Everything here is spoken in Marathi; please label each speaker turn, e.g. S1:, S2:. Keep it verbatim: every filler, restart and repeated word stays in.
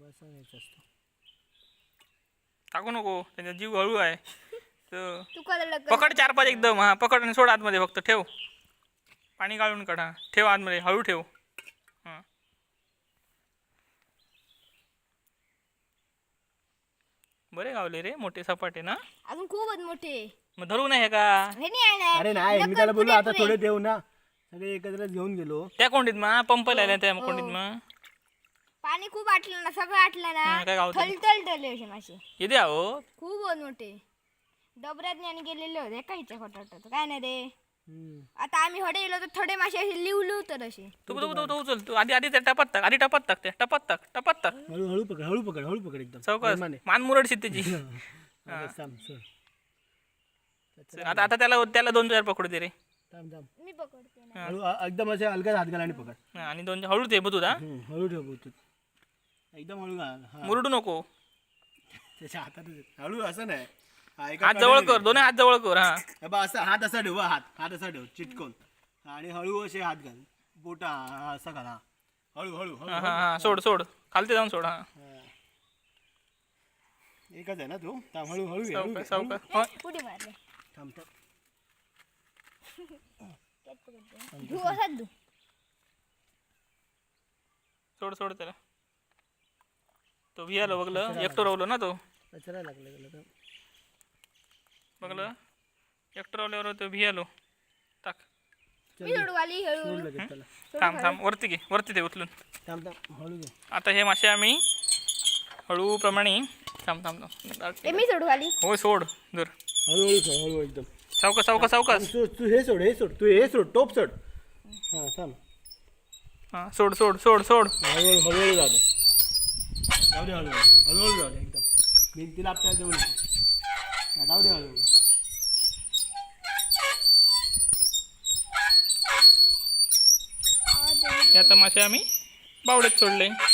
S1: असा न्यायचा असतो.
S2: टाकू नको, त्यांचा जीव हळू आहे. तर
S3: तू कळलं
S2: पकड चार पाच एकदम. हा पकड आणि सोड आतमध्ये, फक्त ठेव. पाणी गाळून काढ. हा ठेव आतमध्ये, हळू ठेव. हां बरे गावले रे, मोठे सपाटे ना.
S3: अजून खूपच मोठे.
S2: मग धरू नाही का
S3: हे नाही आहे
S1: अरे
S3: ना.
S1: नाही, मी
S3: नकल
S1: त्याला बोललो
S3: पुढे
S1: आता
S3: पुढे.
S1: थोडे ठेव ना. सगळे एकत्रच घेऊन गेलो.
S2: त्या कोंडीत मग पंप लायला त्या
S3: हो.
S2: कोंडीत मग
S3: पाणी खूप आटलं ना, सगळं आटलं
S2: हा,
S3: ना.
S2: काय गावतं?
S3: थलथल ठरले असे मासे.
S2: येते आहो.
S3: खूप मोठे. डबऱ्यात आणि गेलेले होते काहीच्या खोटाट काय नाही रे.
S1: हम्म.
S3: आता आम्ही हडे गेलो तर थोडे मासे असे लिवलू तर असे.
S2: तू तू तू तू उचल तू आधी आधी त्या टपात टाक, आधी टपात टाक, त्या टपात टाक, टपात टाक.
S1: हळू हळू पकड, हळू पकड, हळू पकड एकदम.
S2: चौकस
S1: प्रेमाने.
S2: मान मुरडशीत त्याची.
S1: हा, बस थांब, सोड.
S2: चल, आता आता त्याला त्याला दोन चार पकडू दे रे.
S1: थांब थांब.
S3: मी पकडते ना.
S1: हळू अ- एकदम असे हलक्यात हात घाल आणि पकड.
S2: हा, आणि दोन हळू दे बघ तुझा.
S1: हम्म, हळू ठेव बोलतो. एकदम हळू घाल. हा.
S2: मुरडू नको.
S1: त्याच्या हातात हळू असं नाही. हा, एका
S2: हात जवळ
S1: कडेने.
S2: कर, दोन्ही हात जवळ कर. हा
S1: हे बघ, असं हात असा ठेव, हा, हात हात असा ठेव चिटकून. आणि हळू असे हात घाल. बोटा हा, हा, असा घाल. हा. हळू हळू हळू
S2: हा
S1: हळू.
S2: हा हा सोड सोड, खालते जाऊन सोड. हा
S1: हा. एकच आहे ना तू. थांब, हळू हळू घे, हळू घे,
S2: सावकाश
S1: हळू.
S2: सावकाश.
S3: पुढे मारले.
S1: थांब थांब.
S3: धू असाच धू.
S2: सोड सोड त्याला. तो भियालो बघलं, एकटो रावलो ना तो.
S1: कचरा लागला गेला तर.
S2: बघलं एकटो रावल्यावर तो भियालो. टाक.
S3: मी सोडू आली हळू
S1: सोड
S3: हळू.
S1: लगेच त्याला.
S2: थांब थांब, वरती घे, वरती दे उचलून.
S1: थांब थांब, हळू घे.
S2: आता हे मासे आम्ही हळूप्रमाणे. थांब थांब थांब.
S3: ए मी सोडू आली.
S2: होय सोड जर.
S1: हळूहळू सोड, हळू एकदम.
S2: सावकाश सावकाश सावकाश.
S1: तू तू हे सोड, हे सोड, तू हे सोड, टोप सोड. हा थांब.
S2: हा सोड सोड सोड सोड.
S1: हळूहळू हळूहळू जाऊ दे. जाऊ दे हळूहळू, हळूहळू जाऊ दे एकदम. भिंतीला आपल्याला देऊ नको. हा, जाऊ दे हळूहळू.
S2: हे आता मासे आम्ही बावड्यात सोडले.